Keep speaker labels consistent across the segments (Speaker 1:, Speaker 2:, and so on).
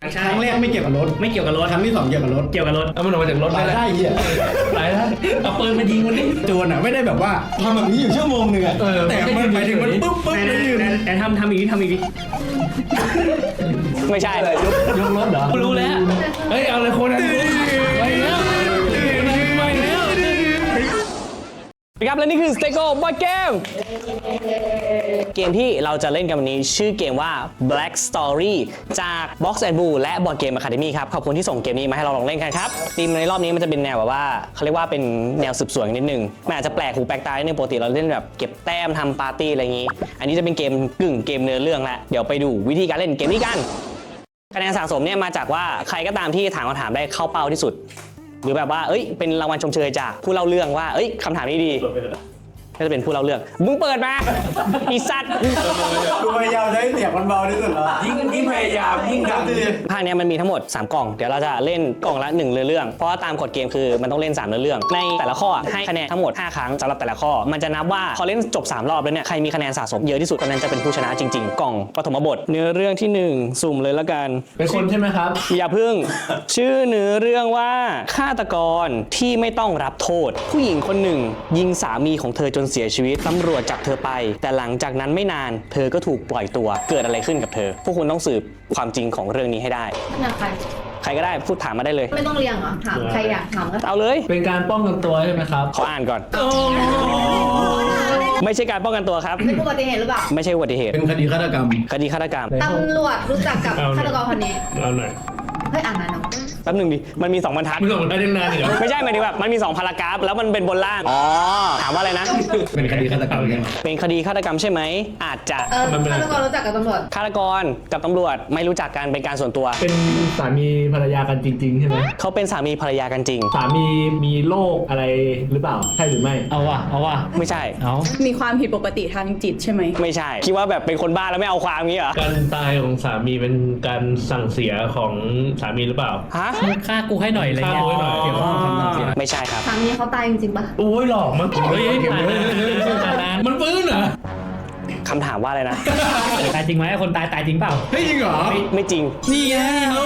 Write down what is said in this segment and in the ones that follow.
Speaker 1: ครั้งแรกไม่เกี่ยวกับรถไม่เกี่ยวกับรถครั้งที่2เกี่ยวกับรถ
Speaker 2: เอามันออกมาจากรถ
Speaker 1: ได้เหี้ย
Speaker 2: ตายแล้วเอาปืนมายิงมันดิ
Speaker 1: โจรอ่ะไม่ได้แบบว่าทำแบบนี้อยู่ชั่วโมงนึงอ่ะแต่มันหมายถึงมันปุ๊บเลย
Speaker 3: แต่ทำอีกที
Speaker 4: ไม่ใช่
Speaker 2: ยกรถเหรอ
Speaker 3: รู้แล้ว
Speaker 2: เฮ้ยเอาเลยคนนั้นไปแล้ว
Speaker 4: ครับและนี่คือ Stego Board Game เกมที่เราจะเล่นกันวันนี้ชื่อเกมว่า Black Story จาก Box and Blue และ Board Game Academy ครับขอบคุณที่ส่งเกมนี้มาให้เราลองเล่นกันครับธีมในรอบนี้มันจะเป็นแนวแบบว่าเขาเรียกว่าเป็นแนวสืบสวนนิดนึงมันอาจจะแปลกหูแปลกตานิดนึงปกติเราเล่นแบบเก็บแต้มทำปาร์ตี้อะไรอย่างนี้อันนี้จะเป็นเกมเกมเนื้อเรื่องละเดี๋ยวไปดูวิธีการเล่นเกมนี้กันคะแนนสะสมเนี่ยมาจากว่าใครก็ตามที่ถามคำถามได้เข้าเป้าที่สุดหรือแบบว่าเป็นรางวัลชมเชยจากผู้เล่าเรื่องว่าคำถามนี้ดีก็จะเป็นผู้เล่าเรื่องมึงเปิดมาอีสัตว์
Speaker 1: กูพยายามใช้เสียงมันเบาที่สุดแล้ว
Speaker 2: ยิ่งพยายามยิ่งดัง
Speaker 4: ภาคนี้มันมีทั้งหมด3กล่องเดี๋ยวเราจะเล่นกล่องละ1เรื่องเพราะว่าตามกฎเกมคือมันต้องเล่น3เรื่องในแต่ละข้อให้คะแนนทั้งหมด5ครั้งสำหรับแต่ละข้อมันจะนับว่าพอเล่นจบ3รอบแล้วเนี่ยใครมีคะแนนสะสมเยอะที่สุดคนนั้นจะเป็นผู้ชนะจริงๆกล่องปฐมบทเนื้อเรื่องที่1สุ่มเลยละกัน
Speaker 2: เป็นคนใช่ไหมครับ
Speaker 4: อย่าพึ่งชื่อเนื้อเรื่องว่าฆาตกรที่ไม่ต้องรับโทษผู้หญิงคนหนึ่งยิงสามีของเธอจนเสียชีวิตตำรวจจับเธอไปแต่หลังจากนั้นไม่นานเธอก็ถูกปล่อยตัวเกิดอะไรขึ้นกับเธอพวกคุณต้องสืบความจริงของเรื่องนี้ให้ได้ใครก็ได้พูดถามมาได้เลย
Speaker 5: ไม่ต้องเรียงเหรอถามใครอยากถามก็
Speaker 4: เอาเลย
Speaker 2: เป็นการป้องกันตัวใช่ไหมครับ
Speaker 4: ขออ่านก่อนไม่ใช่การป้องกันตัวครับ
Speaker 5: เป็นอุบัติเหตุหรือเปล่า
Speaker 4: ไม่ใช่อุบัติเหตุ
Speaker 1: เป็นคดีฆาตกรรม
Speaker 5: ตำรวจรู้จักกับฆาตกรคนนี้
Speaker 2: เอาหน่อย
Speaker 5: เฮ้ยอ่านนานเนาะ
Speaker 4: แป๊บนึงดิมันมี2บรรทัด
Speaker 2: มึงส่งได้นานเหรอ
Speaker 4: ไม่ใช่หมายถึงแบบมันมี2พารากราฟแล้วมันเป็นบนล่างถามว่าอะไรนะ
Speaker 1: เป็นคดีฆาตกรรมใช่ไหม
Speaker 4: เป็นคดีฆาตกรรมใช่ไหมอาจจะ
Speaker 5: ฆาตกรรู้จักกับตำรวจ
Speaker 4: ฆาตกรกับตำรวจไม่รู้จักกันเป็นการส่วนตัว
Speaker 2: เป็นสามีภรรยากันจริงๆใช่ไหม
Speaker 4: เขาเป็นสามีภรรยากันจริง
Speaker 2: สามีมีโรคอะไรหรือเปล่าใช่หรือไม่
Speaker 3: เอาว่ะ
Speaker 4: ไม่ใช่
Speaker 6: มีความผิดปกติทางจิตใช่ไหม
Speaker 4: ไม่ใช่คิดว่าแบบเป็นคนบ้าแล้วไม่เอาความงี้เหรอ
Speaker 2: การตายของสามีเป็นการสั่งเสียของสามีหรือเปล่า
Speaker 4: ฮะ
Speaker 3: ฆ่ากูให้หน่อยอะไรเงี้ย
Speaker 4: เกี่ยวข้องคำสั่งเสียไม่ใช่ครับ
Speaker 5: สามีเขาตายจริงๆปะ
Speaker 2: โอ้ยหลอกมั้งมันฟื้นเหรอ
Speaker 4: คำถามว่าอะไรนะ
Speaker 3: ตายจริงไหมคนตายจริงเปล่า
Speaker 1: เฮ้ยจริงเหรอ
Speaker 4: ไม่จริง
Speaker 1: นี่ไง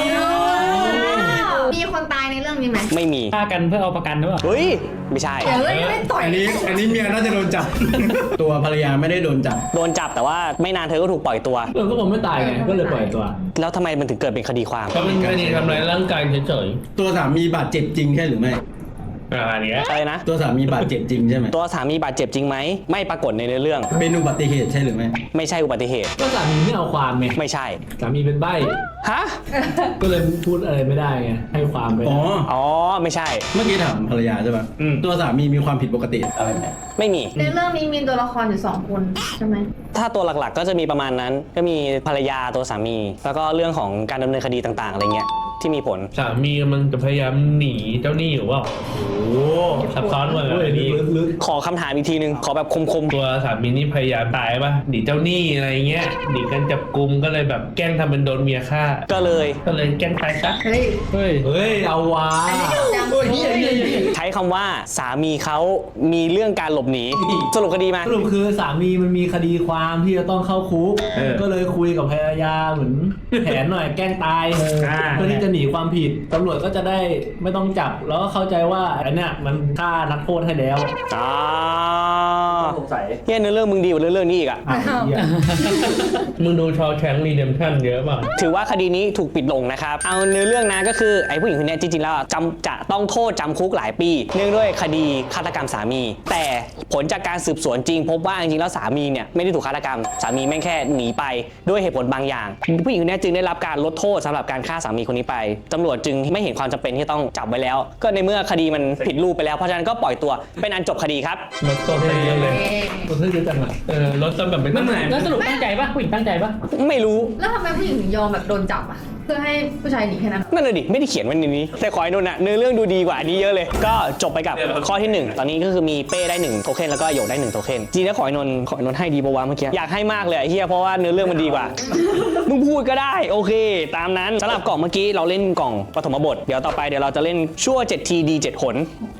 Speaker 5: มีคนตายในเรื่องนี้ไหม
Speaker 4: ไม่มี
Speaker 3: ฆ่ากันเพื่อเอาประกันหรือเปล่า
Speaker 4: เฮ้ยไม่ใช่
Speaker 5: ไม่ต่อย
Speaker 1: อันนี้เมียน่าจะโดนจับตัวภรรยาไม่ได้โดนจับ
Speaker 4: แต่ว่าไม่นานเธอก็ถูกปล่อยตัว
Speaker 2: ก็ผมไม่ตายไงก็เลยปล่อยตัว
Speaker 4: แล้วทำไมมันถึงเกิดเป็นคดีความ
Speaker 2: ก็เป็นคดีทำร้ายร่างกายเฉย
Speaker 1: ๆตัวสามีบาดเจ็บจริงใช่หรือไม่
Speaker 4: อะไรนะ
Speaker 1: ตัวสามีบาดเจ็บจริงใช่ไหม
Speaker 4: ตัวสามีบาดเจ็บจริงไหมไม่ปรากฏในเรื่อง
Speaker 1: เป็นอุบัติเหตุใช่หรือไม่
Speaker 4: ไม่ใช่อุบัติเหตุ
Speaker 2: ก็สามีไม่เอาความไง
Speaker 4: ไม่ใช่
Speaker 2: สามีเป็นใบ้
Speaker 4: ฮะ
Speaker 2: ก็เลยพูดอะไรไม่ได้ไงให้ความไป
Speaker 4: อ๋อไม่ใช่
Speaker 1: เมื่อกี้ถามภรรยาใช่ป่ะตัวสามีมีความผิดปกติอะไรไหม
Speaker 4: ไม่มี
Speaker 5: ในเรื่องนี้มีตัวละครอยู่2คนใช่ไหม
Speaker 4: ถ้าตัวหลักๆก็จะมีประมาณนั้นก็มีภรรยาตัวสามีแล้วก็เรื่องของการดำเนินคดีต่างๆอะไรเงี้ยที่มีผล
Speaker 2: สามีมันจะพยายามหนีเจ้าหนี้อยู่ว่าโอ้ซับซ้อนกว่าอันนี้
Speaker 4: ขอคำถามอีกทีนึงขอแบบคม
Speaker 2: ๆตัวสามีนี่พยายามตายป่ะหนีเจ้าหนี้อะไรเงี้ยหนีกันจับกุมก็เลยแบบแกล้งทำเป็นโดนเมียฆ่า
Speaker 4: ก็เลย
Speaker 2: แกล้งตายซะ
Speaker 5: เฮ้
Speaker 2: ยเอาวะ
Speaker 4: ใช้คำว่าสามีเขามีเรื่องการหลบหนีสรุปคดีมา
Speaker 2: สรุปคือสามีมันมีคดีความที่จะต้องเข้าคุกก็เลยคุยกับภรรยาเหมือนแผนหน่อยแกล้งตายเพื่อที่จะหนีความผิดตำรวจก็จะได้ไม่ต้องจับแล้วก็เข้าใจว่าอันเนี้ยมันฆ่านักโทษให้แล้ว
Speaker 4: สงสัยเนื้อเรื่องมึงดีกว่าเรื่องนี้อีกอ่ะ
Speaker 2: มึงดูชอแชงรีเดมชั่นเยอะป่ะ
Speaker 4: ถือว่าคดีนี้ถูกปิดลงนะครับเอาเนื้อเรื่องนะก็คือไอ้ผู้หญิงคนนี้จริงๆแล้วจะต้องโทษจำคุกหลายปีเนื่องด้วยคดีฆาตกรรมสามีแต่ผลจากการสืบสวนจริงพบว่าจริงๆแล้วสามีเนี่ยไม่ได้ถูกฆาตกรรมสามีแม่งแค่หนีไปด้วยเหตุผลบางอย่างผู้หญิงคนนี้จึงได้รับการลดโทษสำหรับการฆ่าสามีคนนี้ไปตำรวจจึงไม่เห็นความจำเป็นที่ต้องจับไว้แล้วก็ในเมื่อคดีมันผิดรูปไปแล้วเพราะฉะนั้นก็ปล่อยตัวเป็นอันจบคดีครับ
Speaker 2: ลดโทษไปเยอะเลยลดโทษเยอะจังอ่ะลดจนแบบไม่
Speaker 3: ตั้งใจแล้วสรุปตั้งใจปะผู้หญิงตั้งใจปะ
Speaker 4: ไม่รู้
Speaker 5: แล้วทำไมผู้หญิงถึงยอมแบบโดนจับอ่ะเพื่อให้ผู้ชายหนีแค่นั้น
Speaker 4: นั่นเลยดิไม่ได้เขียนไว้ในนี้แต่ขอให้นนท์เนื้อเรื่องดูดีกว่านี้เยอะเลยก็จบไปกับข้อที่1ตอนนี้ก็คือมีเป้ได้1โทเค็นแล้วก็โยกได้1โทเค็นจริงแล้วขอให้นนท์ให้ดีปะวะเมื่อกี้อยากให้มากเลยเฮียเพราะว่าเนื้อเรื่องมันดีกว่ามึงพูดก็ได้โอเคตามนั้นสำหรับกล่องเมื่อกี้เราเล่นกล่องปฐมบทเดี๋ยวต่อไปเดี๋ยวเราจะเล่นชั่ว7ทีดี7หน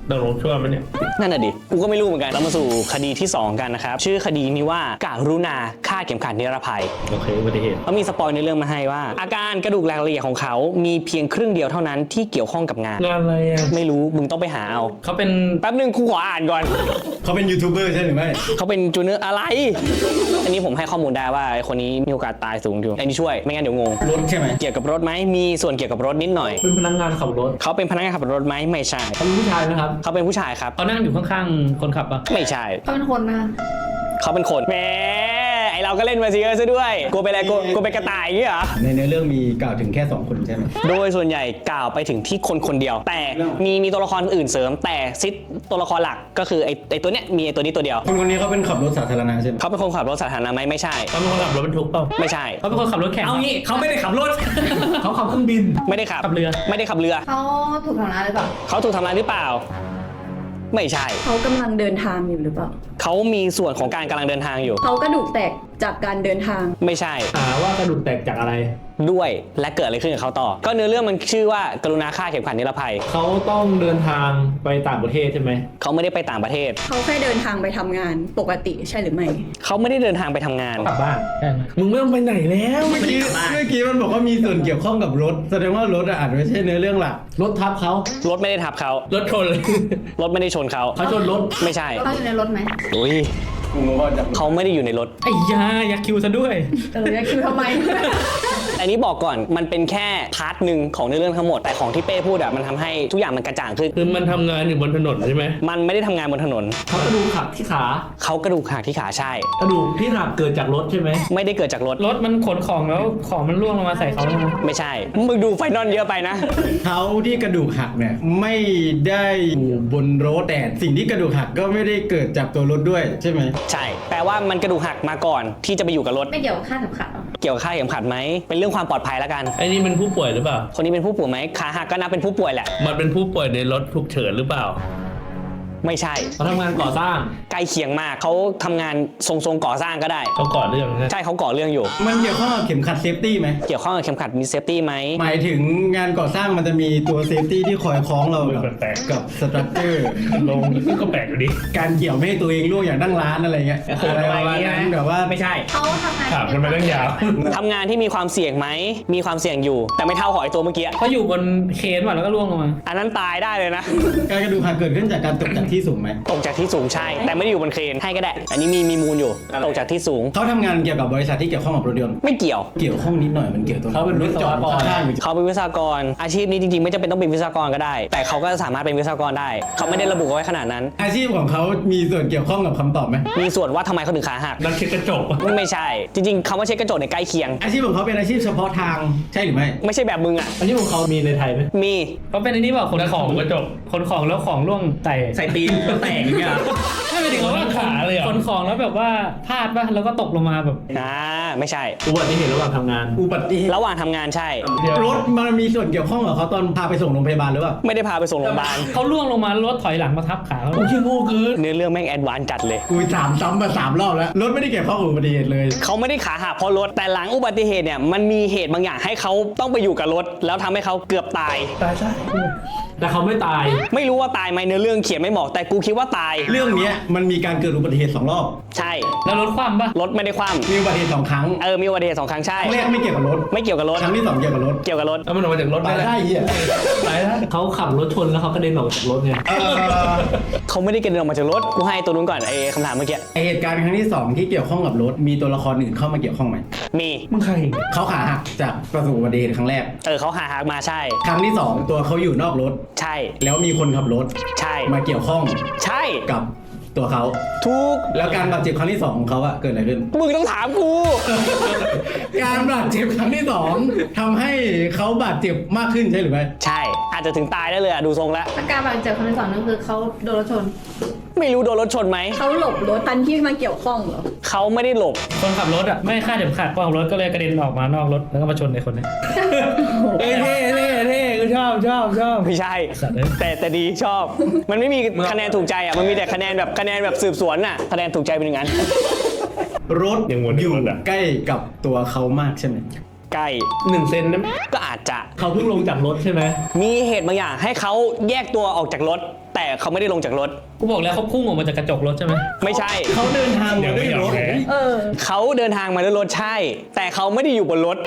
Speaker 7: ตกลงชั่วมันเนี่ย
Speaker 4: นั่นน่ะดิ กูก็ไม่รู้เหมือนกัน เรามาสู่คดีที่ 2 กันนะครับ ชื่อคดีนี้ว่าการุณาฆ่าเข็มขัดนิรภัย
Speaker 7: โอเคอุบัติเหตุ
Speaker 4: เขามีสปอยในเรื่องมาให้ว่า อาการกระดูกแหลกละเอียดของเขามีเพียงครึ่งเดียวเท่านั้นที่เกี่ยวข้องกับงาน
Speaker 7: งานอะไรอ่ะ
Speaker 4: ไม่รู้ มึงต้องไปหาเอา
Speaker 3: เขาเป็น
Speaker 4: แป๊บนึงกูขออ่านก่อน
Speaker 1: เขาเป็นยูทูบเบอร์ใช่หรือไม่
Speaker 4: เขาเป็นจูเนอร์อะไร อันนี้ผมให้ข้อมูลได้ว่าไอ้คนนี้มีโอกาสตายสูงอยู่อันนี้ช่วย ไม่งั้นเดี๋ยวงง
Speaker 1: รถใช่ไหม
Speaker 4: เกี่ยวกับรถไหมมีส่วนเกี่ยวกับรถนิดหน่อย
Speaker 2: เป็นพนักงานขับรถ
Speaker 4: เขาเป็นพนักงานขับรถไหมไม่ใช่
Speaker 2: เขาเป็นผู้ชายไหมครับ
Speaker 4: เขาเป็นผู้ชายครับ
Speaker 3: เขานั่งอยู่ข้างๆคนขับปะ
Speaker 4: ไม่ใช่
Speaker 5: เขาเป็นคนนะคะ
Speaker 4: เขาเป็นคนแหมไอเราก็เล่นมาซีเออร์ซะด้วยกูเป็นอะไรกูเป็นกระต่ายอย่างงี้เหรอ
Speaker 1: ในเนื้อเรื่องมีกล่าวถึงแค่ 2 คนใช่ไหม
Speaker 4: โดยส่วนใหญ่กล่าวไปถึงที่คนเดียว แต่มีตัวละครอื่นเสริม แต่ซิดตัวละครหลักก็คือไอตัวเนี้ยมีไอตัวนี้ตัวเดียว
Speaker 1: คนนี้เขาเป็นขับรถสาธารณะใช่ไหม
Speaker 4: เขาเป็นคนขับรถสาธารณะไหมไม่ใช่
Speaker 7: เขาเป็นคนขับรถบรรทุกเปล่า
Speaker 4: ไม่ใช่
Speaker 3: เขาเป็นคนขับรถแข่ง
Speaker 2: เอางี้เขาไม่ได้ขับรถ เขาขับเครื่องบิน
Speaker 4: ไม่ได้ขับ
Speaker 3: ขับเรือ
Speaker 4: ไม่ได้ขับเรือ
Speaker 5: เขาถูกทำร้ายหรือเปล่า
Speaker 4: เขาถูกทำร้ายหรือเปล่า ไม่ใช่
Speaker 6: เขากำลังเดินทางอยู่หรือเปล่า
Speaker 4: เขามีส่วนของการกำลังเดินทางอยู่
Speaker 6: เขากระดูกแตกจากการเดินทาง
Speaker 4: ไม่ใช่
Speaker 2: หาว่ากระดูกแตกจากอะไร
Speaker 4: ด้วยและเกิดอะไรขึ้นกับเขาต่อ ก็เนื้อเรื่องมันชื่อว่ากรุณาฆ่าเข็มขัดนิรภัย
Speaker 2: เขาต้องเดินทางไปต่างประเทศใช่ไหม
Speaker 4: เขาไม่ได้ไปต่างประเทศ
Speaker 6: เขาแค่เดินทางไปทำงานปกติใช่หรือไม่
Speaker 4: เขาไม่ได้เดินทางไปทำงาน
Speaker 3: กลับบ้านใช่ไหม
Speaker 7: มึงไม่ต้องไปไหนแล้ว
Speaker 1: เมื่อกี้มันบอกว่ามีส่วนเกี่ยวข้องกับรถ แสดงว่ารถอาจไม่ใช่เนื้อเรื่องหลัก
Speaker 2: รถทับเขา
Speaker 4: รถไม่ได้ทับเขา
Speaker 7: รถชนเลย
Speaker 4: รถไม่ได้ชนเขา
Speaker 2: เขาชนรถ
Speaker 4: ไม่ใช่
Speaker 5: เขาอยู่ในรถไหม
Speaker 4: อุ้ย
Speaker 1: กูงงว่าจะ
Speaker 4: เขาไม่ได้อยู่ในรถ
Speaker 3: ไอ้ยายักษ์คิวซะด้วย
Speaker 5: จะคิวทำไม
Speaker 4: อันนี้บอกก่อนมันเป็นแค่พาร์ทหนึ่งของเนื้อเรื่องทั้งหมด แต่ของที่เป้พูดอะมันทำให้ทุกอย่างมันกระจ่างขึ้น
Speaker 7: คือมันทำงานอยู่บนถนนใช่ไหม
Speaker 4: มันไม่ได้ทำงานบนถนน
Speaker 2: เขากระดูกหักที่ขา
Speaker 4: เขากระดูกหักที่ขาใช่
Speaker 2: กระดูกที่หักเกิดจากรถใช่ไหม
Speaker 4: ไม่ได้เกิดจากรถ
Speaker 3: รถมันขนของแล้วของมันร่วงลงมาใส่เขาใช่ไหม
Speaker 4: ไม่ใช่ มึงดูไฟนอลเยอะไปนะ
Speaker 1: เขาที่กระดูกหักเนี่ยไม่ได้อยู่บนรถแต่สิ่งที่กระดูกหักก็ไม่ได้เกิดจากตัวรถด้วยใช่ไหม
Speaker 4: ใช่ แปลว่ามันกระดูกหักมาก่อนที่จะไปอยู่กับรถ
Speaker 5: ไม่เกี่ยวกับค่าเข็มขัดหรอ
Speaker 4: เกี่ยวกับค่าเข็มขัดไหม เป็นเรื่องความปลอดภัยแล้วกัน
Speaker 7: ไอ้นี่เป็นผู้ป่วยหรือเปล่า
Speaker 4: คนนี้เป็นผู้ป่วยไหมขาหักก็นับเป็นผู้ป่วยแหละ
Speaker 7: มันเป็นผู้ป่วยในรถฉุกเฉินหรือเปล่า
Speaker 4: ไม่ใช่
Speaker 2: เขาทำงานก่อสร้าง
Speaker 4: ใกล้เคียงมาก เขาทำงานทรงก่อสร้างก็ได้
Speaker 7: เขาก่อเรื่องนะ
Speaker 4: ใช่เขาก่อเรื่องอยู่
Speaker 1: มันเกี่ยวข้องกับเข็มขัดเซฟตี้ไหม
Speaker 4: เกี่ยวข้องกับเข็มขัดมีเซฟตี้ไหม
Speaker 1: หมายถึงงานก่อสร้างมันจะมีตัวเซฟตี้ที่คอยคล้องเรากับสตรัคเจอร์
Speaker 7: ลงก็แปลกอยู่ดิ
Speaker 1: การเกี่ยวไม่ให้ตัวเองล่วงอย่างนั่งร้านอะไรเงี้ยอะไรประมาณนั้นแบบว่า
Speaker 4: ไม่ใช่
Speaker 5: เขาทำงาน
Speaker 7: ถามกันมาตั้งยาว
Speaker 4: ทำงานที่มีความเสี่ยงไหม มีความเสี่ยงอยู่ แต่ไม่เท่าหอยตัวเมื่อกี้
Speaker 3: เขาอยู่บนเครนว่ะแล้วก็ร่วงลงมา
Speaker 4: อันนั้นตายได้เลยนะ
Speaker 1: การกระดูกหักเกิดขึ้นจากการตกจากที่สูงไหม
Speaker 4: ตกจากที่สูงใช่ แต่ไม่ได้อยู่บนเครนให้ก็ได้ อันนี้มีมูลอยู่ ตกจากที่สูง
Speaker 1: เขาทำงานเกี่ยวกับบริษัทที่เกี่ยวข้องกับรถยนต์
Speaker 4: ไม่เกี่ยว
Speaker 1: เกี่ยวข้องนิดหน่อยมันเกี่ยวตรง
Speaker 2: เขาเป็นวิศวกร
Speaker 1: ข้างๆอยู่
Speaker 4: เขาเป็นวิศวกร อาชีพนี้จริงๆ ไม่จำเป็นต้องเป็นวิศวกรก็ได้ แต่เขาก็สามารถเป็นวิศวกรได้ เขาไม่ได้ระบุเอาไว้ขนาดนั้น
Speaker 1: อาชีพของเขามีส่วนเกี่ยวข้องกับคำตอบไหม
Speaker 4: มีส่วนว่าทำไมเขาถึงขาหัก
Speaker 7: นักเช็ดกระจก
Speaker 4: ไม่ใช่ จริงๆคำว่าเช็ดกระจกเนี่ยใกล้เคียง
Speaker 1: อาชีพของเขาเป็นอาชีพเฉพาะทางใช่หรือไม่
Speaker 4: ไม่ใช่แบบมึงอ่ะ
Speaker 2: อันนี้ของเขามีในไทยไหม
Speaker 4: มี
Speaker 3: เขาเป็นไอ้นี่เปล่าขนของ
Speaker 7: กระจก
Speaker 3: ขนของแล้วของร่วงใส่
Speaker 2: ตีนแตกอย่างเงี้ย
Speaker 3: ไม่ไปถึงว่า
Speaker 7: ขาเลยเหรอ
Speaker 3: ขนของแล้วแบบว่าพลาดป่ะแล้วก็ตกลงมาแบบ
Speaker 4: ไม่ใช่
Speaker 2: อุบัติเหตุระหว่างทำงาน
Speaker 1: อุบัติเหตุ
Speaker 4: ระหว่างทำงานใช่
Speaker 1: รถมันมีส่วนเกี่ยวข้องกับเขาตอนพาไปส่งโรงพยาบาลหรือเปล่า
Speaker 4: ไม่ได้พาไปส่งโรงพยาบาล
Speaker 3: เขาล่วงลงมารถถอยหลังมาทับขาเขา
Speaker 2: โอ้ยโง่เกิน
Speaker 4: เนื้อเรื่องแม่งแอดวานซ์จัดเลย
Speaker 1: กูถามซ้ำมา3 รอบแล้ว รถไม่ได้เกี่ยวข้องกับอุบัติเหตุเลย
Speaker 4: เขาไม่ได้ขาหักเพราะรถ แต่หลังอุบัติเหตุเนี่ยมันมีเหตุบางอย่างให้เขาต้องไปอยู่กับรถ แล้วทำให้เขาเกือบตาย
Speaker 7: ตายใช่
Speaker 2: แต่เขาไม่ตาย
Speaker 4: ไม่รู้ว่าตายไหมเนื้อเรื่องเขียนไม่บอก แต่กูคิดว่าตาย
Speaker 1: เรื่องเนี้ยมันมีการเกิดอุบัติเหตุ2 รอบ
Speaker 4: ใช่
Speaker 3: แล้วรถคว่ำป่ะ
Speaker 4: รถไม่ได้คว่
Speaker 1: มีอุบัติเหตุ2 ครั้ง
Speaker 4: ำมีอุบัติเหตุ2 ครั้งใช่
Speaker 1: ครั้งแรกไม่เกี่ยวกับรถ
Speaker 4: ไม่เกี่ยวกับรถ
Speaker 1: ครั้งที่2เกี่ยวกับรถ
Speaker 4: เกี่ยวกับรถ
Speaker 7: แล้วมันออกมาจากรถ
Speaker 1: ตาย
Speaker 7: ได้
Speaker 1: ได้เหี้ย
Speaker 7: ตายแล้ว
Speaker 2: เขาขับรถชนแล้วเขากระเด็นออกจากรถไง
Speaker 4: เขาไม่ได้กระเด็นออกมาจากรถ กูให้ตัวนู้นก่อนไอ้คำถามเมื่อกี้
Speaker 1: ไอ้เหตุการณ์ครั้งที่2ที่เกี่ยวข้องกับรถ มีตัวละครอื่นเข้ามาเกี่ยวข้องไหม
Speaker 4: มี
Speaker 7: มึงใคร
Speaker 1: เขาขาหักจากประสบอุบัติเหตุครั้งแรก
Speaker 4: เขาหามาใช่
Speaker 1: ครั้งที่2ตัวเขาอยู่นอกรถ
Speaker 4: ใช่
Speaker 1: แล้วมีคนขับรถ
Speaker 4: ใช่
Speaker 1: มาเกี่ยวข้อง
Speaker 4: ใช่
Speaker 1: กับตัวเขา
Speaker 4: ทุก
Speaker 1: แล้วการบาดเจ็บครั้งที่2ของเขาอะเกิดอะไรขึ้น
Speaker 4: มึงต้องถามกู
Speaker 1: การบาดเจ็บครั้งที่2ทำให้เขาบาดเจ็บมากขึ้นใช่หรือไม่
Speaker 4: ใช่ อาจจะถึงตายได้เลยอะดูทรงแล้ว
Speaker 5: อาการบาดเจ็บคนที่ 2นั่นคือเขาโดนรถชน
Speaker 4: ไม่รู้โดนรถชนไหม
Speaker 6: เขาหลบรถตันที่มาเกี่ยวข้องเหรอ
Speaker 4: เขาไม่ได้หลบ
Speaker 3: คนขับรถอ่ะไม่คาดเข็มขัดคนขับรถก็เลยกระเด็นออกมานอกรถแล้วก็มาชนในคนนี้
Speaker 7: เท่เท่กูชอบ
Speaker 4: ไม่ใช่
Speaker 3: สัตว์เอ้ย
Speaker 4: แต่ดีชอบ มันไม่มีคะแนนถูกใจอ่ะ มันมีแต่คะแนนแบบสืบสวนอ่ะ คะแนนถูกใจเป็นอย่างนั้น
Speaker 1: รถ
Speaker 7: ยังวน
Speaker 1: อยู่
Speaker 7: รถอะ
Speaker 1: ใกล้กับตัวเขามากใช่ไหม
Speaker 4: ใกล้
Speaker 7: 1 เซนนะ
Speaker 4: ก็อาจจะ
Speaker 2: เขาเพิ่งลงจากรถใช่ไหม
Speaker 4: มีเหตุบางอย่างให้เขาแยกตัวออกจากรถ แต่เขาไม่ได้ลงจากรถ
Speaker 3: กูบอกแล้วเขาพุ่งออกมาจากกระจกรถใช่ไหม
Speaker 4: ไม่ใช่
Speaker 1: เขาเดินทาง
Speaker 7: เดี๋
Speaker 1: มา
Speaker 7: ยว
Speaker 1: ด้วย
Speaker 7: ไม่ยอ
Speaker 1: ร
Speaker 7: ม
Speaker 1: ถ
Speaker 7: แพ้
Speaker 6: เออ
Speaker 4: เขาเดินทางมาด้วยรถใช่ แต่เขาไม่ได้อยู่บนรถ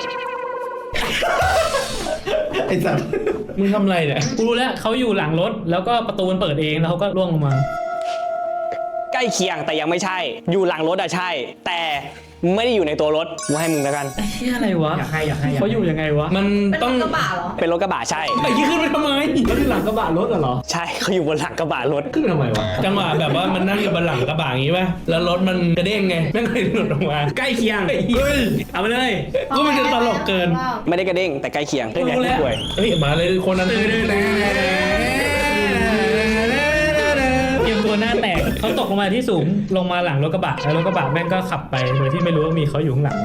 Speaker 1: ไอ้สัตว์
Speaker 7: มึงทำอะไรเนี่ย
Speaker 3: กูรู้แล้วเขาอยู่หลังรถแล้วก็ประตูมันเปิดเองแล้วเขาก็ร่วงลงมา
Speaker 4: ใกล้เคียงแต่ยังไม่ใช่ อยู่หลังรถอะใช่ แต่ไม่ได้อยู่ในตัวรถกูให้มึงแล้วกัน
Speaker 3: ไอ้เหี้ยอะไรวะ
Speaker 7: อยากให้
Speaker 3: เขาอยู่ยังไงวะ
Speaker 7: มัน
Speaker 5: เป็น
Speaker 7: ต้อง
Speaker 5: กระบะเหรอ
Speaker 4: เป็นรถกระบะใช่
Speaker 7: ไอ้ยี่ขึ้นไปทำไม
Speaker 2: แล้วที่หลังกระบะรถเหรอ
Speaker 4: ใช่เขาอยู่บนหลังกระบะรถ
Speaker 2: ขึ้นไปทำไมวะ
Speaker 7: จังหวะแบบว่ามันนั่งอยู่บนหลังกระบะอย่างงี้ป่ะ แล้วรถมันกระเด้งไงแม่งเลยหลุดออกมา ใกล้เคียง เฮ้ย เอาไปเลยกูมันจะตลกเกิน
Speaker 4: ไม่ได้กระเด้งแต่ใกล้เคียงเรื่อง
Speaker 7: รู้
Speaker 4: นี้
Speaker 7: แล้ว
Speaker 4: ป่วย
Speaker 7: เฮ้ยมาเลยคนนั้น
Speaker 3: เตรียมตัวหน้าแตกเขาตกลงมาที่สูงลงมาหลังรถกระบะแล้วรถกระบะแม่งก็ขับไปโดยที่ไม่รู้ว่ามีเขาอยู่ข้างหลัง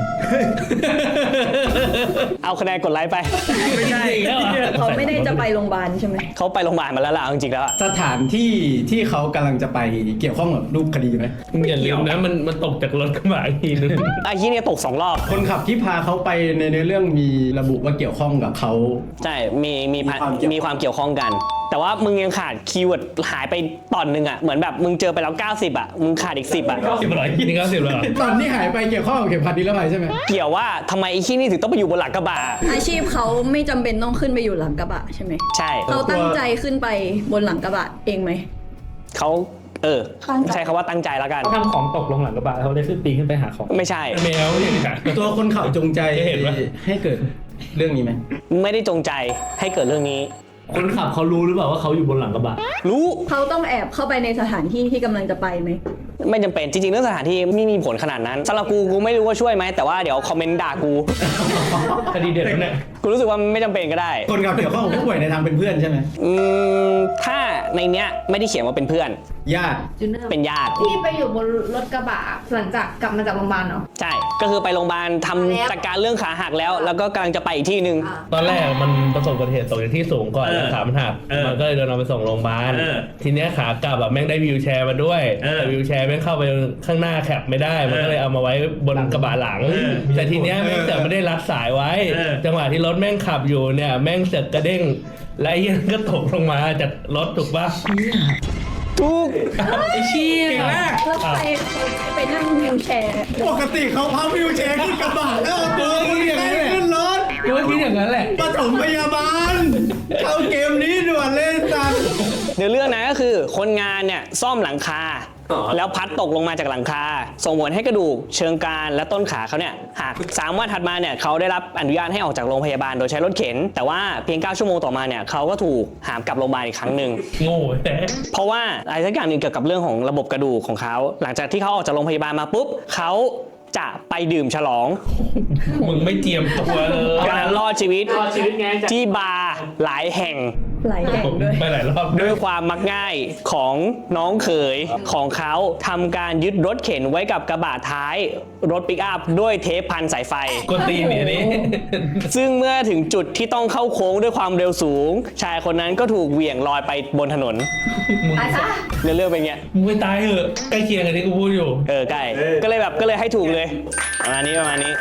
Speaker 4: เอาคะแนนกดไลค์ไป
Speaker 7: ไม่ใช่แล้วเหรอ
Speaker 6: เขาไม่ได้จะไปโรงพยาบาลใช่ไหม
Speaker 4: เขาไปโรงพยาบาลมาแล้วล่ะเอาจริงๆแล้วอะ
Speaker 1: สถานที่ที่เขากำลังจะไปเกี่ยวข้องกับรูปคดีไหม
Speaker 7: อย่าลืมนะมันตกจากรถกระบะอีกทีนึง
Speaker 4: ไอ้ที่เนี่ยตก2 รอบ
Speaker 1: คนขับที่พาเขาไปในเนื้อเรื่องมีระบุว่าเกี่ยวข้องกับเขา
Speaker 4: ใช่มีความ
Speaker 1: เกี่ยวข้อง
Speaker 4: เกี่ยวข้องกัน แต่ว่ามึงยังขาดคีย์เวิร์ดหายไปตอนนึงอ่ะเหมือนแบบมึงเจอไปแล้ว90อ่ะมึงขาดอีก10อ่ะ
Speaker 7: 10เหรอนี่90แล้วเหรอ
Speaker 1: ตอนที่หายไปเกี่ยวข้องกับเข็มขัดนิรภัยใช่ไหม
Speaker 4: เกี่ยวว่าทำไมไอ้ที่นี่ถึงต้องไปอยู่บนหลังกระบะ
Speaker 6: อาชีพเขาไม่จำเป็นต้องขึ้นไปอยู่หลังกระบะใช่ไหม
Speaker 4: ใช่
Speaker 6: เขาตั้งใจขึ้นไปบนหลังกระบะเองไหม
Speaker 4: เขา
Speaker 6: ตั้งใจ
Speaker 4: ใช้คำว่าตั้งใจแล้วกัน
Speaker 3: เขาทำของตกลงหลังกระบะเขาได้ขึ้นปีนขึ้นไปหาของ
Speaker 4: ไม่ใช่
Speaker 7: แมวเนี่ยค่ะ
Speaker 1: ตัวคนขับจงใจ
Speaker 7: เห็นปะ
Speaker 1: ให้เกิดเรื่องนี้ไหม
Speaker 4: ไม่ได้จงใจให้เกิดเรื่องนี้
Speaker 2: คนขับเขารู้หรือเปล่าว่าเขาอยู่บนหลังกระบะ
Speaker 4: รู้
Speaker 6: เขาต้องแอบเข้าไปในสถานที่ที่กำลังจะไปไหม
Speaker 4: ไม่จำเป็นจริงๆเรื่องสถานที่ไม่มีผลขนาดนั้นสำหรับกูไม่รู้ว่าช่วยไหมแต่ว่าเดี๋ยวคอมเมนต์ด่ากู
Speaker 7: คดีเด็ดแล้วเนี่ย
Speaker 4: กูรู้สึกว่าไม่จำเป็นก็ได้
Speaker 1: คนขับเกี่ยวข้องกับผู้ป่วยในทางเป็นเพื่อนใช่ไหม
Speaker 4: ถ้าในเนี้ยไม่ได้เขียนว่าเป็นเพื่อน
Speaker 1: ญาติ
Speaker 5: จูเนอร์
Speaker 4: เป็นญาติ
Speaker 5: ที่ไปอยู่บนรถกระบะหลังจากกลับมาจากโรงพยาบาลเหรอ
Speaker 4: ใช่ ก็คือไปโรงพยาบาลทำจัดการเรื่องขาหักแล้วก็กำลังจะไปอีกที่หนึ่ง
Speaker 7: ตอนแรกมันประสบอุบัติเหตุตกจากที่สูงก่อนแล้วขามันหักมันก็เลยโดนเอาไปส่งโรงพยาบาลทีเนี้ยขากลับแบบแม่งได้วีลแชร์มาด้วยแต่วีลแชร์แม่งเข้าไปข้างหน้าแคปไม่ได้มันก็เลยเอามาไว้บนกระบะหลัง แต่ทีเนี้ยแม่งเสือกไม่ได้รัดสายไว้ จังหวะที่รถแม่งขับอยู่เนี่ยแม่งเสือกกระเด้งและไอ้เหี้ยก็ตกลงมาจากรถถูกปะ
Speaker 4: ทุก
Speaker 7: ไอ้เชี่ย
Speaker 6: แล้วใครไปนั่งวิวแชร์
Speaker 1: ปกติเขาพับวิวแชร์ขึ้นกระบะแล้วเอาตัวขึ้นรถ
Speaker 2: กูก็คิดอย่างนั้นแหละ
Speaker 1: ปฐมพยาบาลเข้าเกมนี้ด่วนเลยสัตว์
Speaker 4: เนื้อเรื่องนะก็คือคนงานเนี่ยซ่อมหลังคา แล้วพัดตกลงมาจากหลังคา ส่งผลให้กระดูกเชิงกรานและต้นขาเขาเนี่ยหัก3 วันถัดมาเนี่ยเขาได้รับอนุญาตให้ออกจากโรงพยาบาลโดยใช้รถเข็น แต่ว่าเพียง9 ชั่วโมงต่อมาเนี่ยเขาก็ถูกหามกลับโรงพยาบาลอีกครั้งหนึ่ง
Speaker 7: โง่แต่
Speaker 4: เพราะว่าอะไรสักอย่างหนึ่งเกี่ยวกับเรื่องของระบบกระดูกของเขา หลังจากที่เขาออกจากโรงพยาบาลมาปุ๊บเขาจะไปดื่มฉลอง
Speaker 7: มึงไม่เจียมตัวเลย
Speaker 4: การรอดชีวิต
Speaker 3: รอดชีวิตไงจาก
Speaker 4: ที่บาร์หลายแห่ง
Speaker 6: หลายแห่งด้วย
Speaker 7: ไปหลายรอบ
Speaker 4: ด้วยความมักง่ายของน้องเขยของเขาทำการยึดรถเข็นไว้กับกระบะท้ายรถปิกอัพด้วยเทปพันสายไฟ
Speaker 7: กวนตีนเนี่ยนี่
Speaker 4: ซึ่งเมื่อถึงจุดที่ต้องเข้าโค้งด้วยความเร็วสูง ชายคนนั้นก็ถูกเหวี่ยงลอยไปบนถนน
Speaker 7: มึง
Speaker 5: ตายซะ
Speaker 4: เรื่องเป็นไง
Speaker 7: มึงไปตายเหอะใกล้เคียงกับที่กูพูดอยู่
Speaker 4: ใกล้ก็เลยให้ถูกเลยประมาณนี้
Speaker 5: ก็มาค่ะ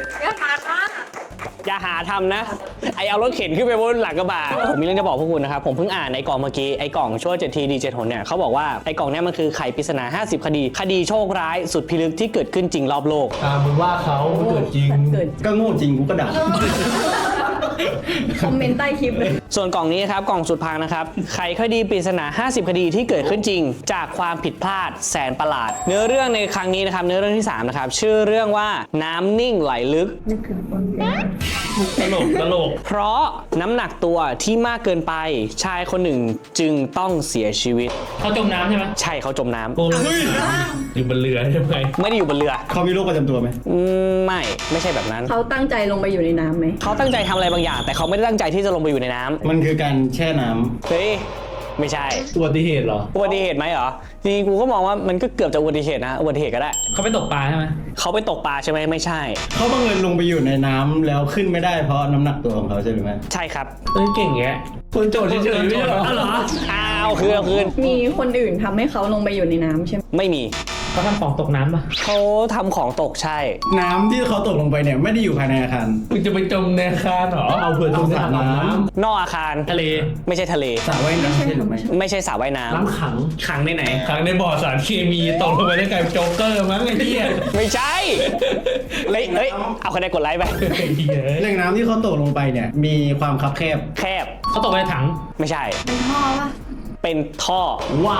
Speaker 4: อย่าหาทำนะ ไอเอารถเข็นขึ้นไปบนหลังกระบะผมมีเรื่องจะบอกพวกคุณนะครับ ผมเพิ่งอ่านในกล่องเมื่อกี้ไอกล่องช่วย7 ทีดี7 หนเนี่ยเขาบอกว่าไอกล่องเนี้ยมันคือไขปริศนา50 คดีโชคร้ายสุดพิลึกที่เกิดขึ้นจริงรอบโลก
Speaker 2: มึงว่าเขาเกิดจริง
Speaker 6: เกิด
Speaker 1: ก็โง่จริงกูก็ด่า
Speaker 6: คอมเมนต์ใต้คลิปเลย
Speaker 4: ส่วนกล่องนี้นะครับกล่องสุดพังนะครับไขคดีปริศนา 50 คดีที่เกิดขึ้นจริง จากความผิดพลาดแสนประหลาด เนื้อเรื่องในครั้งนี้นะครับเนื้อเรื่องที่3นะครับชื่อเรื่องว่าน้ำนิ่งไหลลึก
Speaker 7: ตลก
Speaker 4: เพราะน้ำหนักตัวที่มากเกินไปชายคนหนึ่งจึงต้องเสียชีวิต
Speaker 3: เขาจมน้ำใช่ไหม
Speaker 4: ใช่เขาจมน้ำ
Speaker 7: กูอยู่บนเรือใช่ไหม
Speaker 4: ไม่ได้อยู่บนเรือ
Speaker 1: เขามีโรคประจำตัวไหม
Speaker 4: ไม่ใช่แบบนั้น
Speaker 6: เขาตั้งใจลงไปอยู่ในน้ำไหม
Speaker 4: เขาตั้งใจทำอะไรบางอย่าง แต่เขาไม่ได้ตั้งใจที่จะลงไปอยู่ในน้ำ
Speaker 1: มันคือการแช่น้ำ
Speaker 4: เฮ้ยไม่ใช่
Speaker 2: อุบัติเหตุเหรอ
Speaker 4: อุบัติเหตุไหมเหรอจริงๆกูก็มองว่ามันก็เกือบจะอุบัติเหตุนะอุบัติเหตุก็ได้
Speaker 3: เขาไปตกปลาใช่ไหม
Speaker 4: เขาไปตกปลาใช่ไหมไม่ใช่
Speaker 1: เขาบังเอิญลงไปอยู่ในน้ำแล้วขึ้นไม่ได้เพราะน้ำหนักตัวของเขาใช่หรือไม่
Speaker 4: ใช่ครับ
Speaker 7: เฮ้ยเก่งแยะคนโจทย์เฉยๆไม่ใช่เหรอ
Speaker 4: อ้าวเหรออ้าวคืน
Speaker 6: มีคนอื่นทำให้เขาลงไปอยู่ในน้ำใช่ไหม
Speaker 4: ไม่มี
Speaker 3: เขาทำของตกน้ำปะ
Speaker 4: เขาทำของตกใช่
Speaker 1: น้ำที่เขาตกลงไปเนี่ยไม่ได้อยู่ภายในอาคาร
Speaker 7: มึงจะไปจมในอาคารเหรอ
Speaker 2: เอาเผื่อตรงสระน้
Speaker 4: นอกอาคาร
Speaker 3: ทะเล
Speaker 4: ไม่ใช่ทะเล
Speaker 1: สระว่ายน้ำใช่หรือไม่
Speaker 4: ไม่ใช่สระว่ายน้
Speaker 2: ำน้ำขัง
Speaker 3: ขังในไหน
Speaker 7: ครั้งในบ่อสารเคมีตกลงไปได้กลายเป็นโจ๊กเกอร์มั้งไอ้เหี้ย
Speaker 4: ำไม่ใช่เฮ้ยเอาคะแนนกดไลค์ไป
Speaker 7: ไอ้เหี้ย
Speaker 1: แหล่งน้ำที่เขาตกลงไปเนี่ยมีความคับแคบ
Speaker 4: แคบ
Speaker 3: เขาตกไปในถัง
Speaker 4: ไม่ใช่
Speaker 5: เป็นท่อปะ
Speaker 4: เป็นท่อ
Speaker 2: ว้าย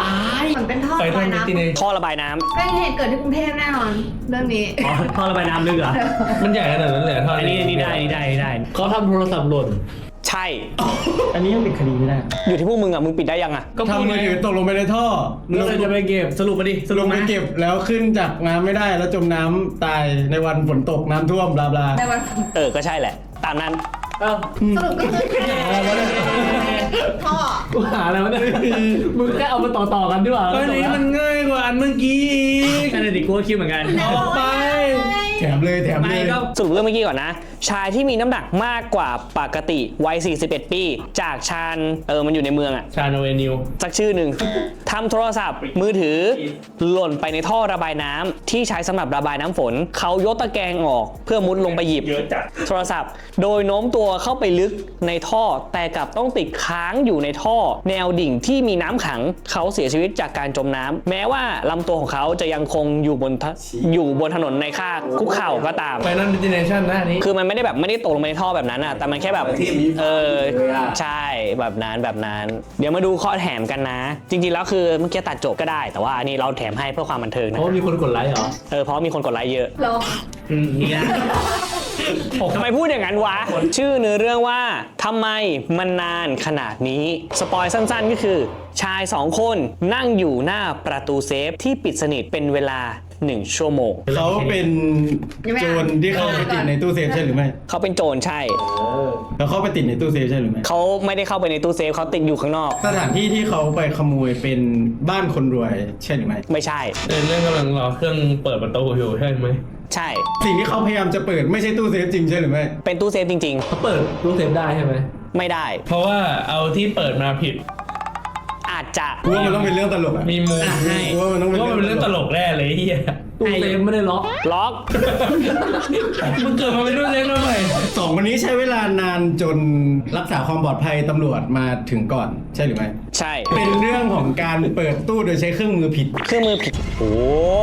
Speaker 5: เหมือนเป็นท่อ
Speaker 7: ไป
Speaker 5: ระ
Speaker 7: ทา
Speaker 5: บาง ย
Speaker 7: นิติ
Speaker 5: น้ำ
Speaker 7: เน
Speaker 4: ท่อระบายน้ำ
Speaker 5: เป็นเหตุเกิดที่กรุงเทพแน่นอน เรื่องนี้
Speaker 2: อ๋อท่อระบายน้ำลึกเหรอ
Speaker 7: มันใหญ่ขนาดนั้นเลยเหรอท่อ
Speaker 3: อันนี้ได้
Speaker 2: เขาทำโทรศัพท์หล่น
Speaker 4: ใช่
Speaker 1: อันนี้ยังปิดคดีไม่ได้
Speaker 4: อยู่ที่พวกมึงอ่ะมึงปิดได้ยังอ่ะ
Speaker 3: ก็พูด
Speaker 1: ทำมือถือตกลงไปในท่อ
Speaker 2: แล้วใครจะไปเก็บสรุปมาดิ
Speaker 1: ลงไปเก็บแล้วขึ้นจากน้ำไม่ได้แล้วจมน้ำตายในวันฝนตกน้ำท่วมบลาบลา
Speaker 5: ในวัน
Speaker 4: ก็ใช่แหละ ตามนั้น
Speaker 2: เอ้า
Speaker 5: สรุปก็คือท่อ
Speaker 2: กูหาอะไรวะเนี่ยมึงแค่เอามาต่อกันดีกว่า
Speaker 7: ก็นี้มันง่ายกว่าอันเมื่อกี้อีก
Speaker 3: แค่นั้นดิกูก็คิดเหมือนกัน
Speaker 7: ออกไป
Speaker 1: แถมเลยแถมเล
Speaker 3: ไม่
Speaker 1: ย
Speaker 3: ก็
Speaker 4: สรุปเรื่องเมื่อกี้ก่อนนะ ชายที่มีน้ำหนักมากกว่าปกติวัย 41 ปี จากชาญมันอยู่ในเมืองอ่ะ
Speaker 7: ชาโนเวนิว
Speaker 4: สักชื่อหนึ่ง ทำโทรศัพท์มือถือหล่นไปในท่อระบายน้ำที่ใช้สำหรับระบายน้ำฝน เขายกตะแกรงออกเพื่อมุดลงไปหยิบโทรศัพท์ โดยโน้มตัวเข้าไปลึกในท่อ แต่กลับต้องติดค้างอยู่ในท่อ แนวดิ่งที่มีน้ำขัง เขาเสียชีวิตจากการจมน้ำแม้ว่าลำตัวของเขาจะยังคงอยู่บนถนนในค่าคุกเข่าก็ตาม
Speaker 7: ไฟนอลดิจิเนชั่นนะอันนี้
Speaker 4: คือมันไม่ได้ตกลงไปในท่อแบบนั้นอ่ะ แต่มันแค่แบบใช่แบบนั้น เดี๋ยวมาดูข้อแถมกันนะ จริงๆแล้วคือเมื่อกี้ตัดจบก็ได้ แต่ว่าอันนี้เราแถมให้เพื่อความบันเทิง
Speaker 2: เพ
Speaker 4: นะ
Speaker 2: ราะว่ามีคนกดไลค์เหรอ
Speaker 4: เพราะมีคนกดไลค์เยอะ
Speaker 5: เรา
Speaker 3: นี่นะ
Speaker 4: ทำไมพูดอย่างนั้นวะ ชื่อเนื้อเรื่องว่าทำไมมันนานขนาดนี้ สปอยสั้นๆก็คือ ชาย 2 คนนั่งอยู่หน้าประตูเซฟที่ปิดสนิทเป็นเวลา 1 ชั่วโมง
Speaker 1: เขาเป็นโจรที่เข้าไปติดในตู้เซฟใช่หรือไม่
Speaker 4: เขาเป็นโจรใช่
Speaker 1: แล้วเขาไปติดในตู้เซฟใช่หรือไม่
Speaker 4: เขาไม่ได้เข้าไปในตู้เซฟเขาติดอยู่ข้างนอก
Speaker 1: สถานที่ที่เขาไปขโมยเป็นบ้านคนรวยใช่หรือไม่
Speaker 4: ไม่ใช่
Speaker 7: เรื่องกำลังรอเครื่องเปิดประตูอยู่ใช่ไหม
Speaker 4: ใช่
Speaker 1: สิ่งที่เขาพยายามจะเปิดไม่ใช่ตู้เซฟจริงใช่หรือไม่
Speaker 4: เป็นตู้เซฟจริง
Speaker 2: เขาเปิดรูเซฟได้ใช่ไหม
Speaker 4: ๆ ไม่ได้
Speaker 7: เพราะว่าเอาที่เปิดมาผิด
Speaker 4: อาจจะ
Speaker 1: กูว่ามันต้องเป็นเรื่องตลกอะ
Speaker 7: มีมูล
Speaker 1: กูว่ามันต้องเป็น
Speaker 7: ว่ามันเป็นเรื่องตลกแน่เลยไอ้เฮีย
Speaker 2: ตู้เซฟไม่ได้ล็อก
Speaker 4: ล็อก
Speaker 7: มึงเกิดมาเป็นรุ่นเล็กแล้วไหม
Speaker 1: สองคนนี้ใช้เวลานานจนรักษาความปลอดภัยตำรวจมาถึงก่อนใช่หรือไม่
Speaker 4: ใช่
Speaker 1: เป็นเรื่องของการเปิดตู้โดยใช้เครื่องมือผิด
Speaker 4: เครื่องมือผิด โอ้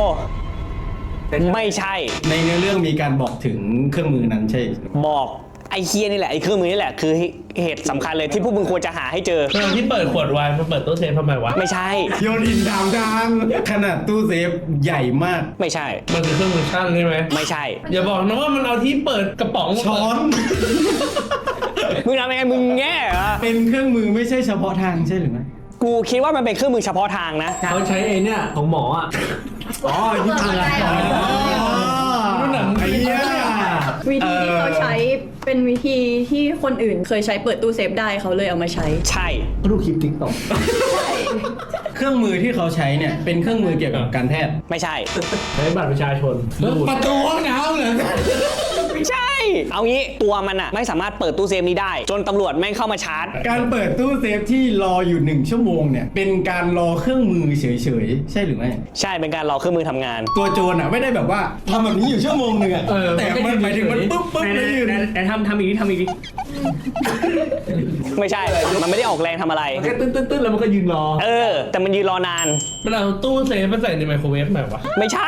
Speaker 4: ไม่ใช่
Speaker 1: ในเนื้อเรื่องมีการบอกถึงเครื่องมือนั้นใช่หรือไม่
Speaker 4: บอกไอ้เคียนี่แหละไอ้เครื่องมือนี่แหละคือเหตุสำคัญเลยที่พวกมึงควรจะหาให้เจอ
Speaker 7: เรื่องที่เปิดขวดไวน์มาเปิดตู้เซฟทำไมวะ
Speaker 4: ไม่ใช่
Speaker 1: โยนหินถามทางขนาดตู้เซฟใหญ่มาก
Speaker 4: ไม่ใช่
Speaker 7: มันคือเครื่องมือช่างใช่ไหม
Speaker 4: ไม่ใช่
Speaker 7: อย่าบอกนะว่ามันเอาที่เปิดกระป๋องมา
Speaker 1: ช้อน
Speaker 4: มึงทำยังไงมึงแง่เหรอ
Speaker 1: เป็นเครื่องมือไม่ใช่เฉพาะทางใช่หรือไม่
Speaker 4: กูคิดว่ามันเป็นเครื่องมือเฉพาะทางนะ
Speaker 2: เขาใช้ไอ้เนี่ยของหมออ่ะ
Speaker 1: อ๋อที่ทางอะไร
Speaker 7: รุ่นหนัง
Speaker 1: ไอ้เหี้ย
Speaker 6: วิธีที่เขาใช้เป็นวิธีที่คนอื่นเคยใช้เปิดตู้เซฟได้เขาเลยเอามาใช้
Speaker 4: ใช่
Speaker 2: เขาดูคลิปติ๊กต็อก
Speaker 1: เครื่องมือที่เขาใช้เนี่ยเป็นเครื่องมือเกี่ยวกับการแพทย์
Speaker 4: ไม่ใช่
Speaker 2: ใช้บัตรประชาชนรูด
Speaker 1: ประตูห้องน้ำเหรอ
Speaker 4: ไม่ใช่ เอางี้ตัวมันอะไม่สามารถเปิดตู้เซฟนี้ได้ จนตำรวจแม่งเข้ามาชาร์จ
Speaker 1: การเปิดตู้เซฟที่รออยู่1 ชั่วโมงเนี่ยเป็นการรอเครื่องมือเฉยๆใช่หรือไม่
Speaker 4: ใช่เป็นการรอเครื่องมือทำงาน
Speaker 1: ตัวโจรอ่ะไม่ได้แบบว่าทำแบบนี้อยู่ชั่วโมงหนึ่งอ่ะแต่มันหมายถึงมันปุ๊บเลยอยู่
Speaker 3: แต่ทำอีกทีทำอีกที
Speaker 4: ไม่ใช่ มันไม่ได้ออกแรงทำอะไร
Speaker 2: มันแค่ตื้นๆแล้วมันก็ยืนรอ
Speaker 4: แต่มันยืนรอนาน
Speaker 7: มันเอาตู้เซฟมาใส่ในไมโครเวฟแบบวะ
Speaker 4: ไม่ใช่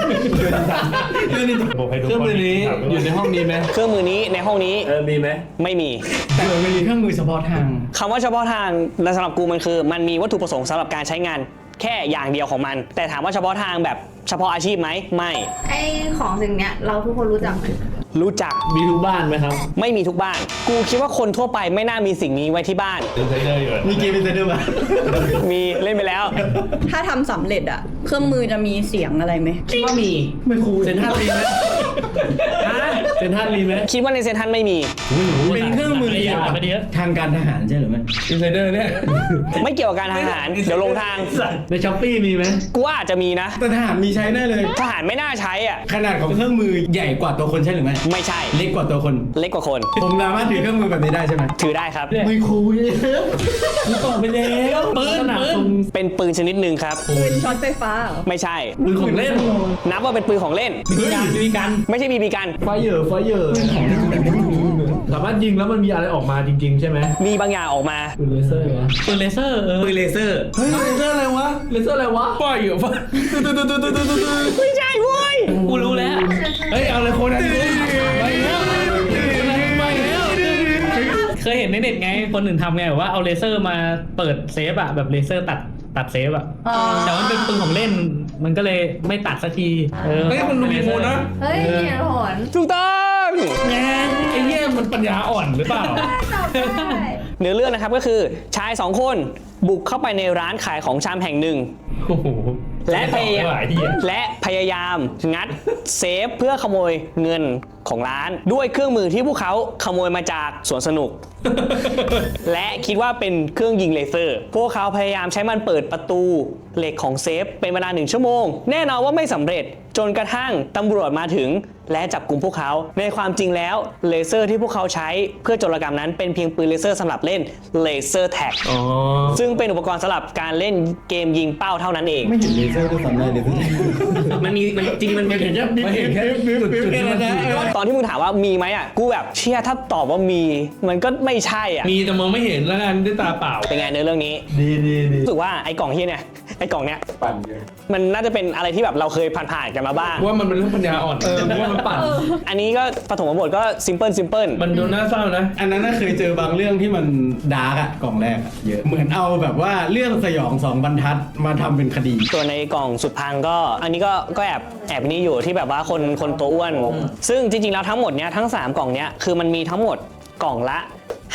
Speaker 7: บอกให้ดู
Speaker 2: เครื่องมือนี้อยู่ในห้องนี้ไหม
Speaker 4: เครื่องมือนี้ในห้องนี้
Speaker 2: มีไหม
Speaker 4: ไม่มี
Speaker 1: แต่มันมีเครื่องมือเฉพาะทาง
Speaker 4: คำว่าเฉพาะทางสำหรับกูมันคือ มันมีวัตถุประสงค์สำหรับการใช้งานแค่อย่างเดียวของมัน แต่ถามว่าเฉพาะทางแบบเฉพาะอาชีพไหมไม่
Speaker 5: ไอ้ของสิ่งเนี้ยเราทุกคนรู้จักไหม
Speaker 4: รู้จัก
Speaker 2: มีทุกบ้านไหมครับ
Speaker 4: ไม่มีทุกบ้าน กูคิดว่าคนทั่วไปไม่น่ามีสิ่งนี้ไว้ที่บ้าน
Speaker 7: เป็นไซเดอร์อยู่
Speaker 1: มีเกมเป็นเซนเดอร์ป่ะ
Speaker 4: มีเล่นไปแล้ว
Speaker 6: ถ้าทำสำเร็จอะเครื่องมือจะมีเสียงอะไรไหม
Speaker 3: คิดว่ามี
Speaker 1: ไม่คูล
Speaker 2: เซ็นทรัลลิงก์ไหม
Speaker 3: ฮะ
Speaker 7: เซนทรัลมีไหม
Speaker 4: คิดว่าในเซ็นทรัลไม่มี
Speaker 1: เป็นเครื่องมือเกี่ยวกับทางการทหารใช่หรือไม่
Speaker 7: อินไซเดอร์เนี่ย
Speaker 4: ไม่เกี่ยวกับการทหารเดี๋ยวลงทาง
Speaker 2: ในช้อปปี้มีไหม
Speaker 4: กูว่าอาจจะมีนะ
Speaker 1: แต่ทหารมีใช้แน่เลย
Speaker 4: ทหารไม่น่าใช้อ่ะ
Speaker 1: ขนาดของเครื่องมือใหญ่กว่าตัวคนใช่หรือไม่
Speaker 4: ไม่ใช่
Speaker 1: เล็กกว่าตัวคน
Speaker 4: เล็กกว่าคน
Speaker 1: ผมสามารถถือเครื่องมือแบบนี้ได้ใช่ไหม
Speaker 4: ถือได้ครับ
Speaker 1: ไม่คุยกูตอบไปแล้ว
Speaker 7: ปืน
Speaker 4: เป็นปืนชนิดหนึ่งครับ
Speaker 6: ปืนช็อตไฟฟ้าเหรอ
Speaker 4: ไม่ใช่
Speaker 2: ปืนของเล่น
Speaker 4: นับว่าเป็นปืนของเล่น
Speaker 3: มีกัน
Speaker 4: ไม่ใช่บีบีกัน
Speaker 2: ไฟเยอร์สามารถยิงแล้วมันมีอะไรออกมาจริง ๆ ใช่ไหม
Speaker 4: มีบางอย่างออกมา
Speaker 2: ปืนเลเซอร์เหรอ
Speaker 3: ปืนเลเซอร์
Speaker 1: ปืนเลเซอร์
Speaker 2: เฮ้ยเลเซอร์อะไรวะเลเซอร์อะไรวะ
Speaker 7: ป้ายอยู่ป้า
Speaker 4: ไม่ใช่เว้ย
Speaker 3: กูรู้แล้ว
Speaker 7: เฮ้ยเอาเลยคนนั้นไปแล้วไปแล้ว
Speaker 3: เคยเห็นในเน็ตไง คนอื่นทำไงแบบว่าเอาเลเซอร์มาเปิดเซฟอะแบบเลเซอร์ตัดเซฟอะ
Speaker 5: อ๋อ
Speaker 3: แต่ว่ามันเป็นปืนของเล่น มันก็เลยไม่ตัดสักทีเฮ้ย
Speaker 7: มันดูมีโมนะ
Speaker 5: เฮ้ยเหตุผล
Speaker 4: ถูกต้อง
Speaker 7: ไงไอ้เหี้ยมันปัญญาอ่อนหรือเปล่า
Speaker 5: ตอบได้
Speaker 4: เนื้อเรื่องนะครับก็คือชาย2คนบุกเข้าไปในร้านขายของชำแห่งหนึ่ง
Speaker 7: โอ้โห
Speaker 4: และพยายาม
Speaker 7: หลายที่
Speaker 4: และพยายามงัดเซฟเพื่อขโมยเงินของร้าน ด้วยเครื่องมือที่พวกเขาขโมยมาจากสวนสนุก และคิดว่าเป็นเครื่องยิงเลเซอร์ พวกเขาพยายามใช้มันเปิดประตูเหล็กของเซฟเป็นเวลา1 ชั่วโมง แน่นอนว่าไม่สำเร็จจนกระทั่งตำรวจมาถึงและจับกลุ่มพวกเขา ในความจริงแล้วเลเซอร์ที่พวกเขาใช้เพื่อโจรกรรมนั้นเป็นเพียงปืนเลเซอร์สำหรับเล่นเลเซอร์แท็ก
Speaker 7: อ๋อ
Speaker 4: ซึ่งเป็นอุปกรณ์สำหรับการเล่นเกมยิงเป้าเท่านั้นเอง
Speaker 1: ไม่เห็นเลเซอร์ด้วยซ้ำเลยเลเซอร์
Speaker 4: มันจริงมันมี
Speaker 7: ไม่เห็นแค่จุดๆที่มัน
Speaker 4: ตอนที่มึงถามว่ามีไหมอ่ะกูแบบเชื่อถ้าตอบว่ามีมันก็ไม่ใช่อ่ะ
Speaker 7: มีแต่มองไม่เห็นแล้วกันด้วยตาเปล่า
Speaker 4: เป็นไงในเรื่องนี้
Speaker 2: ดี
Speaker 4: รู้สึกว่าไอ้กล่องเฮียเนี่ยไอ้กล่องเนี้ย
Speaker 1: ปั่นเยอะ
Speaker 4: มันน่าจะเป็นอะไรที่แบบเราเคยผ่านๆกันมาบ้าง
Speaker 7: ว่ามันเป็นเรื่องปัญญาอ่อน
Speaker 2: ว่ามันปั่น
Speaker 4: อันนี้ก็ปฐมบทก็ซิมเพิล
Speaker 7: มันดูน่าเศร้านะ
Speaker 1: อันนั้นน่าเคยเจอบางเรื่องที่มันดาร์กอะกล่องแรกอะเยอะเหมือนเอาแบบว่าเรื่องสยอง2 บรรทัดมาทำเป็นคดี
Speaker 4: ส่วนในกล่องสุดพังก็อันนี้ก็แอบนี่อยู่ที่แบบว่าคนตัวอ้วน ซึ่งจริงๆแล้วทั้งหมดเนี้ยทั้ง3กล่องเนี้ยคือมันมีทั้งหมดกล่องละ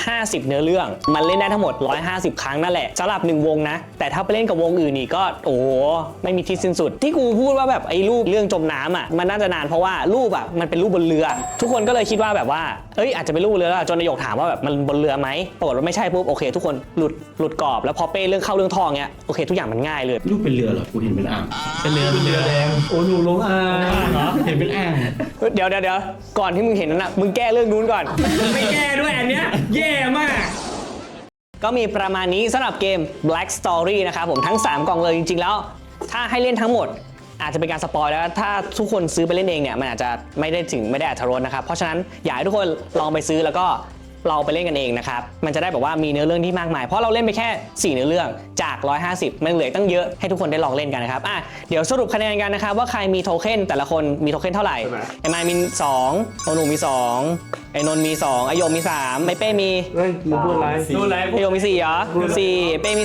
Speaker 4: 50 เนื้อเรื่องมันเล่นได้ทั้งหมด150 ครั้งนั่นแหละสำหรับ1 วงนะแต่ถ้าไปเล่นกับวงอื่นนี่ก็โอ้โหไม่มีที่สิ้นสุดที่กูพูดว่าแบบไอ้รูปเรื่องจมน้ำอ่ะมันน่าจะนานเพราะว่ารูปอ่ะมันเป็นรูปบนเรือ ทุกคนก็เลยคิดว่าแบบว่าเอ้ยอาจจะเป็นรูปบนเรือจนนายกถามว่าแบบมันบนเรือไหมปรากฏว่าไม่ใช่ปุ๊บโอเคทุกคนหลุดกรอบแล้วพอเป้เรื่องเข้าเรื่องทองเนี้ยโอเคทุกอย่างมันง่ายเลย
Speaker 1: รูปเป็นเรือเหรอ กูเห็นเป็นอ่าง
Speaker 3: เป็นเรือ
Speaker 2: แดงโอ้หนูลงอ่าง
Speaker 3: เหรอ
Speaker 1: เห็นเป็นอ่าง
Speaker 4: เดี๋ยวก่อนที่มึงเห็นนั้นนะมึงแก้เรื่องนู้นก่อน ไม่แก้ด้วยอันเนี้ยแย่มาก ก็มีประมาณนี้สำหรับเกม Black Story นะครับผมทั้ง 3 กล่องเลยจริงๆแล้ว ถ้าให้เล่นทั้งหมดอาจจะเป็นการสปอยแล้วถ้าทุกคนซื้อไปเล่นเองเนี่ยมันอาจจะไม่ได้อรรถรสนะครับเพราะฉะนั้นอยากให้ทุกคนลองไปซื้อแล้วก็เราไปเล่นกันเองนะครับมันจะได้แบบว่ามีเนื้อเรื่องที่มากมายเพราะเราเล่นไปแค่4 เนื้อเรื่องจาก 150 มันเหลือตั้งเยอะให้ทุกคนได้ลองเล่นกันนะครับเดี๋ยวสรุปคะแนนกันนะครับว่าใครมีโทเค็นแต่ละคนมีโทเค็นเท่าไหร่ไอ้มายมี2โอหนูมี2ไอ้นนท์มี2ไอ้โยมมี3ไอ้เป้มี
Speaker 2: เฮ้ยมึงพูดอะไร
Speaker 4: ไอ้โยมมี4เหรอ4เป้มี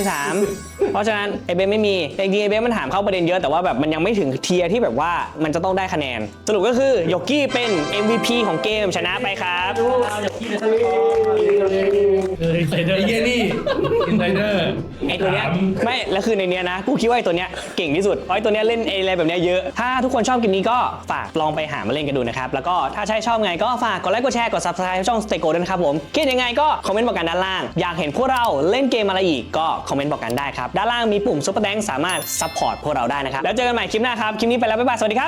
Speaker 4: 3เพราะฉะนั้นไอ้เบนไม่มีแต่จริงๆไอ้เบนมันถามเข้าประเด็นเยอะแต่ว่าแบบมันยังไม่ถึงเทียร์ที่แบบว่ามันจะต้องได้คะแนนสรุปก็คือโยกี้เป็น MVP ของเกมชนะไปครับ
Speaker 3: อินไซเดอร์
Speaker 7: ไอ้เหี้ยนี่อินไซเดอร์
Speaker 4: ไอ้ตัวเนี้ยไม่แล้วคือในเนี้ยนะกูคิดว่าไอ้ตัวเนี้ยเก่งที่สุดเพราะไอ้ตัวเนี้ยเล่นอะไรแบบเนี้ยเยอะถ้าทุกคนชอบเกมนี้ก็ฝากลองไปหามาเล่นกันดูนะครับแล้วก็ถ้าใช่ชอบไงก็ฝากกดไลค์กดแชร์กด Subscribe ช่อง Stego ด้วยนะครับผมคิดยังไงก็คอมเมนต์บอกกันด้านล่างอยากเห็นพวกเราเล่นเกมอะไรอีกก็คอมเมนต์บอกกันได้ครับด้านล่างมีปุ่ม Super Thanks สามารถซัพพอร์ตพวกเราได้นะครับแล้วเจอกันใหม่คลิปหน้าครับคลิปนี้ไปแล้วบ๊ายบายสวัสดีครับ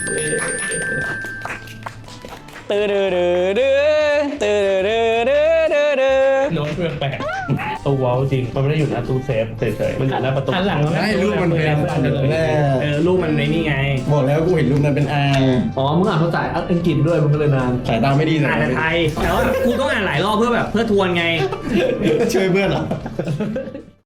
Speaker 4: ตื้อดื้อดื้อดื้อตื้อดื้อดื้อดื้อดื้อ
Speaker 7: โน้ตแปลกๆตัววอลจริงมันไม่ได้อยู่หน้าตู้เซฟเฉยๆมันอยู่หน้าประตู
Speaker 3: อันหลัง
Speaker 1: ได้รูปมันเป็นอันแรก
Speaker 3: รูปมันในนี่ไง
Speaker 1: บอกแล้วกูเห็นรูปนั้นเป็นอ่าง
Speaker 2: อ๋อมึงอ่านภาษาอังกฤษด้วยมึงก็เลยนาน
Speaker 1: สายตาไม่ดี
Speaker 3: อ่านแต่ไทยแต่ว่ากูต้องอ่านหลายรอบเพื่อทวนไง
Speaker 1: ช่วยเพื่อนเหรอ